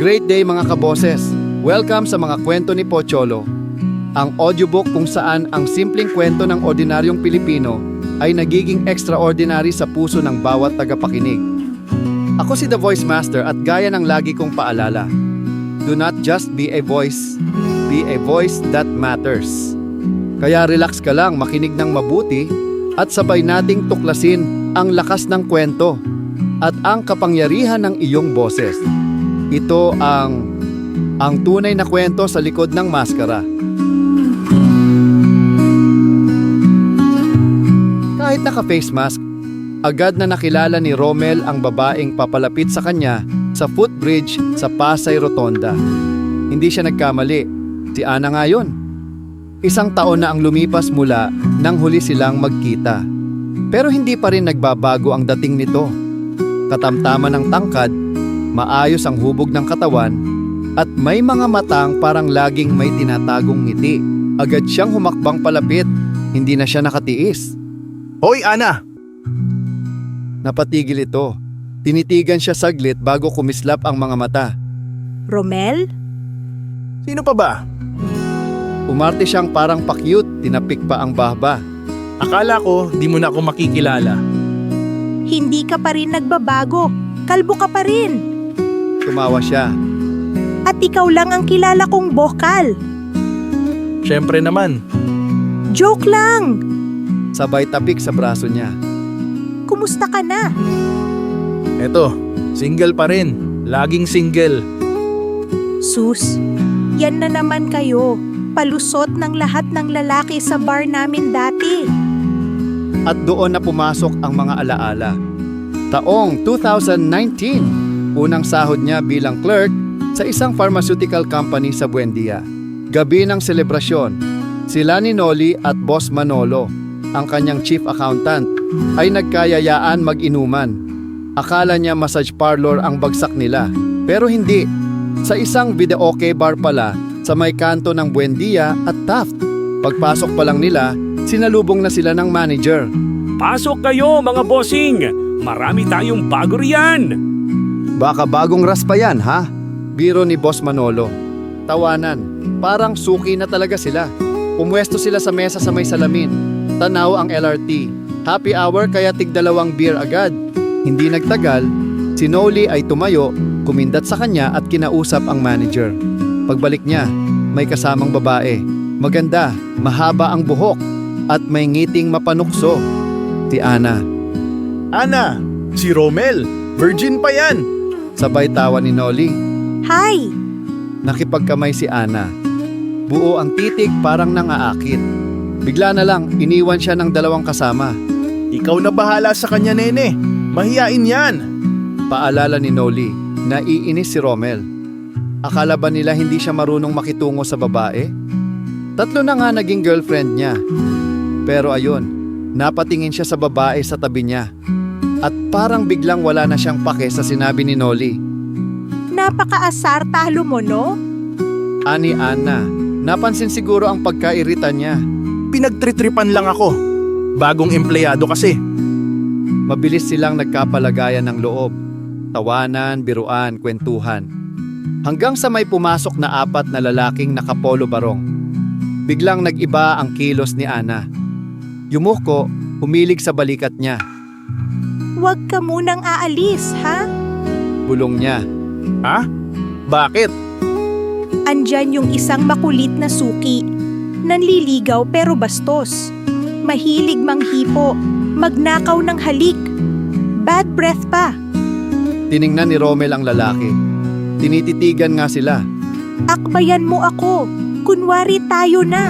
Great day mga kaboses! Welcome sa mga kwento ni Pocholo. Ang audiobook kung saan ang simpleng kwento ng ordinaryong Pilipino ay nagiging extraordinary sa puso ng bawat tagapakinig. Ako si The Voice Master at gaya ng lagi kong paalala, do not just be a voice that matters. Kaya relax ka lang, makinig ng mabuti at sabay nating tuklasin ang lakas ng kwento at ang kapangyarihan ng iyong boses. Ito ang tunay na kwento sa likod ng maskara. Kahit naka-face mask, agad na nakilala ni Romel ang babaeng papalapit sa kanya sa footbridge sa Pasay Rotonda. Hindi siya nagkamali, si Ana nga yun. Isang taon na ang lumipas mula nang huli silang magkita. Pero hindi pa rin nagbabago ang dating nito. Katamtaman ng tangkad, maayos ang hubog ng katawan, at may mga matang parang laging may tinatagong ngiti. Agad siyang humakbang palapit, hindi na siya nakatiis. Hoy, Ana! Napatigil ito. Tinitigan siya saglit bago kumislap ang mga mata. Romel? Sino pa ba? Umarte siyang parang pakyut, tinapik pa ang bahba. Akala ko di mo na ako makikilala. Hindi ka pa rin nagbabago. Kalbo ka pa rin. Tumawa siya. At ikaw lang ang kilala kong bokal. Siyempre naman. Joke lang. Sabay tapik sa braso niya. Kumusta ka na? Eto, single pa rin. Laging single. Sus, yan na naman kayo. Palusot ng lahat ng lalaki sa bar namin dati. At doon na pumasok ang mga alaala. Taong 2019, unang sahod niya bilang clerk sa isang pharmaceutical company sa Buendia. Gabi ng selebrasyon, sila ni Noli at Boss Manolo, ang kanyang chief accountant, ay nagkayayaan mag-inuman. Akala niya massage parlor ang bagsak nila, pero hindi. Sa isang videoke bar pala sa may kanto ng Buendia at Taft. Pagpasok pa lang nila, sinalubong na sila ng manager. Pasok kayo mga bossing! Marami tayong bago riyan! Baka bagong raspa yan, ha? Biro ni Boss Manolo. Tawanan, parang suki na talaga sila. Pumwesto sila sa mesa sa may salamin. Tanaw ang LRT. Happy hour kaya tig-2 beer agad. Hindi nagtagal, si Noli ay tumayo, kumindat sa kanya at kinausap ang manager. Pagbalik niya, may kasamang babae. Maganda, mahaba ang buhok, at may ngiting mapanukso. Si Ana. Ana, si Romel. Virgin pa yan. Sabay tawa ni Noli. Hi! Nakipagkamay si Ana. Buo ang titig parang nangaakit. Bigla na lang, iniwan siya ng 2 kasama. Ikaw na bahala sa kanya, nene. Mahiyain yan. Paalala ni Noli, naiinis si Romel. Akala ba nila hindi siya marunong makitungo sa babae? 3 na nga naging girlfriend niya. Pero ayun, napatingin siya sa babae sa tabi niya. At parang biglang wala na siyang pake sa sinabi ni Noli. Napaka-asar talo mo, no? Ani Ana, napansin siguro ang pagkairita niya. Pinagtritripan lang ako. Bagong empleyado kasi. Mabilis silang nagkapalagayan ng loob. Tawanan, biruan, kwentuhan. Hanggang sa may pumasok na 4 na lalaking nakapolo barong. Biglang nag-iba ang kilos ni Ana. Yumuko, humilig sa balikat niya. Huwag ka munang aalis, ha? Bulong niya. Ha? Bakit? Andyan yung isang makulit na suki. Nanliligaw pero bastos. Mahilig manghipo. Magnakaw ng halik. Bad breath pa. Tiningnan ni Romel ang lalaki. Tinititigan nga sila. Akbayan mo ako. Kunwari tayo na.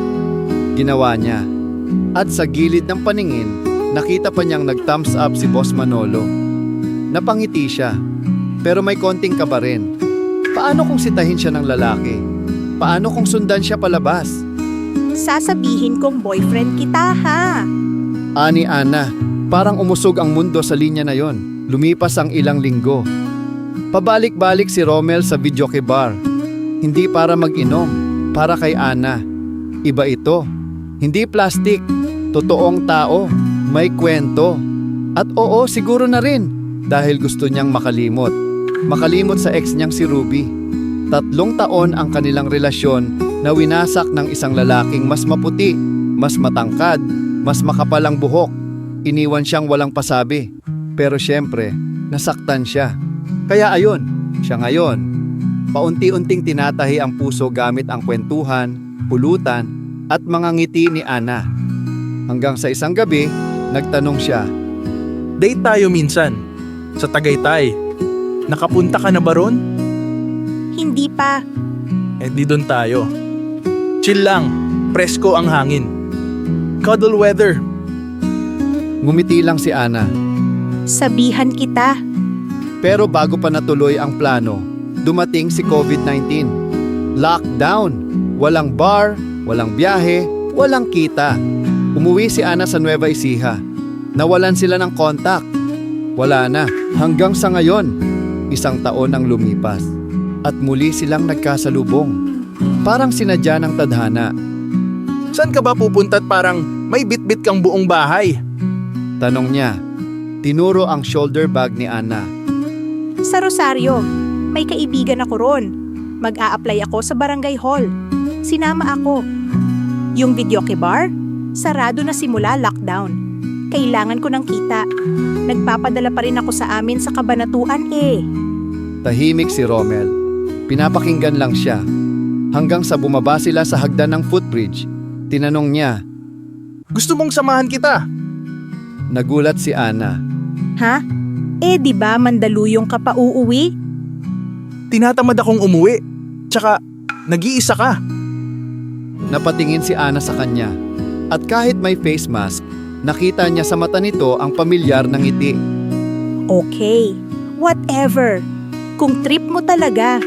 Ginawa niya. At sa gilid ng paningin, nakita pa niyang nag-thumbs up si Boss Manolo. Napangiti siya, pero may konting kaba rin. Paano kung sitahin siya ng lalaki? Paano kung sundan siya palabas? Sasabihin kong boyfriend kita, ha? Ani Ana, parang umusog ang mundo sa linya na yon. Lumipas ang ilang linggo. Pabalik-balik si Romel sa videoke bar. Hindi para mag-inom, para kay Ana. Iba ito. Hindi plastic, totoong tao. May kwento. At oo, siguro na rin, dahil gusto niyang makalimot. makalimot sa ex niyang si Ruby. 3 taon ang kanilang relasyon na winasak ng isang lalaking mas maputi, mas matangkad, mas makapal ang buhok. Iniwan siyang walang pasabi. Pero syempre, nasaktan siya. Kaya ayun, siya ngayon. Paunti-unting tinatahi ang puso gamit ang kwentuhan, pulutan, at mga ngiti ni Ana. Hanggang sa isang gabi, nagtanong siya. Date tayo minsan. Sa Tagaytay. Nakapunta ka na ba ron? Hindi pa. Eh di doon tayo. Chill lang. Presko ang hangin. Cuddle weather. Ngumiti lang si Ana. Sabihan kita. Pero bago pa natuloy ang plano, dumating si COVID-19. Lockdown. Walang bar, walang biyahe, walang kita. Umuwi si Ana sa Nueva Ecija. Nawalan sila ng kontak. Wala na. Hanggang sa ngayon, 1 taon ang lumipas. At muli silang nagkasalubong. Parang sinadya ng tadhana. Saan ka ba pupunta at parang may bitbit kang buong bahay? Tanong niya. Tinuro ang shoulder bag ni Ana. Sa Rosario, may kaibigan ako ron. Mag-a-apply ako sa barangay hall. Sinama ako. Yung videoke bar, sarado na simula lockdown. Kailangan ko ng kita. Nagpapadala pa rin ako sa amin sa Kabanatuan eh. Tahimik si Romel. Pinapakinggan lang siya. Hanggang sa bumaba sila sa hagdan ng footbridge. Tinanong niya. Gusto mong samahan kita? Nagulat si Ana. Ha? Eh di ba Mandaluyong ka pa uuwi? Tinatamad akong umuwi. Tsaka, nag-iisa ka. Napatingin si Ana sa kanya. At kahit may face mask, nakita niya sa mata nito ang pamilyar na ngiti. Okay, whatever. Kung trip mo talaga.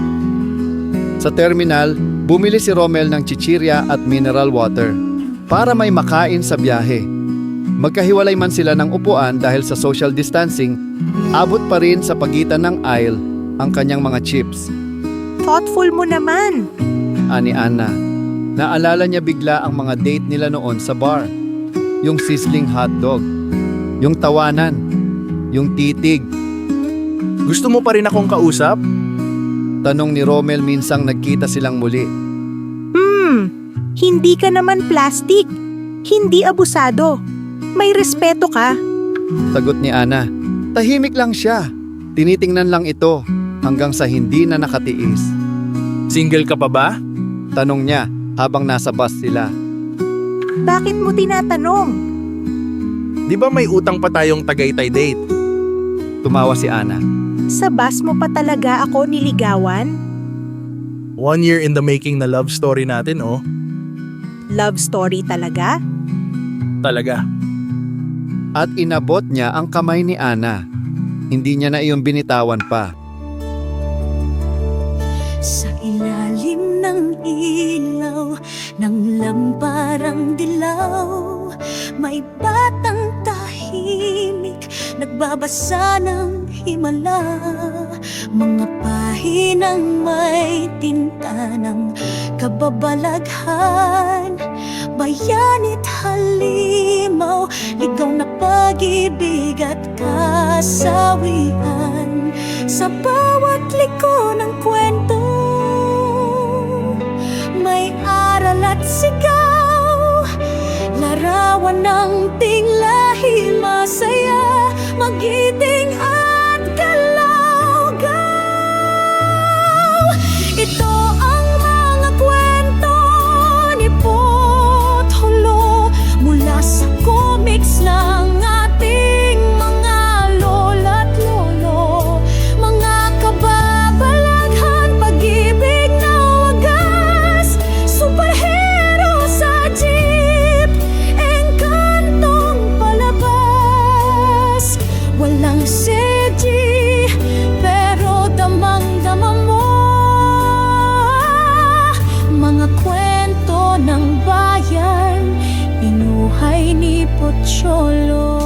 Sa terminal, bumili si Romel ng chichirya at mineral water para may makain sa biyahe. Magkahiwalay man sila ng upuan dahil sa social distancing, abot pa rin sa pagitan ng aisle ang kanyang mga chips. Thoughtful mo naman. Ani Ana, naalala niya bigla ang mga date nila noon sa bar. Yung sizzling hotdog, yung tawanan, yung titig. Gusto mo pa rin akong kausap? Tanong ni Romel minsang nagkita silang muli. Hindi ka naman plastic. Hindi abusado. May respeto ka. Sagot ni Ana. Tahimik lang siya. Tinitingnan lang ito hanggang sa hindi na nakatiis. Single ka pa ba? Tanong niya habang nasa bus sila. Bakit mo tinatanong? Di ba may utang pa tayong Tagaytay date? Tumawa si Ana. Sa bus mo pa talaga ako niligawan? 1 year in the making na love story natin, oh. Love story talaga? Talaga. At inabot niya ang kamay ni Ana. Hindi niya na iyon binitawan pa. Sa ilalim ng ilaw ng lamparang dilaw, may batang tahimik nagbabasa ng himala. Mga pahinang may tinta ng kababalaghan, bayanit halimaw, ligaw na pag-ibig at kasawian. Sa bawat liko ng kwento, may aral at sigaw, larawan ng tinglahi, masaya, magiting at kalawgaw. Ito ang mga kwento ni Potholo mula sa comics ng ating mga lola't lolo. Mga kababalaghan, pag-ibig na wagas, superhero sa jeep, engkantong palabas. Walang CG, pero damang-dama mo. Mga kwento ng bayan, pinuhay ni Pocholo.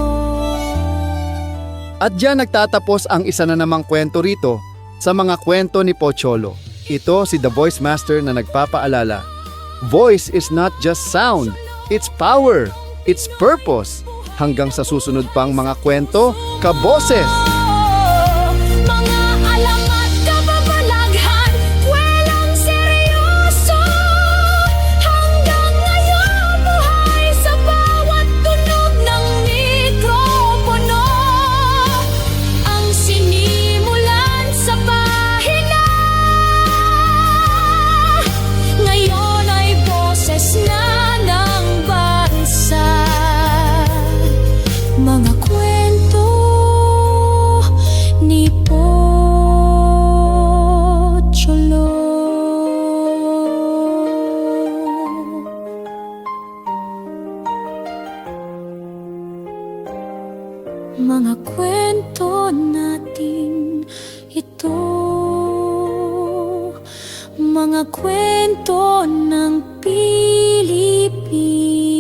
At diyan nagtatapos ang isa na namang kwento rito sa mga kwento ni Pocholo. Ito si The Voice Master na nagpapaalala. Voice is not just sound, it's power, it's purpose. Hanggang sa susunod pang mga kwento, kaboses! Mga mga kwento natin ito. Mga kwento ng Pilipinas.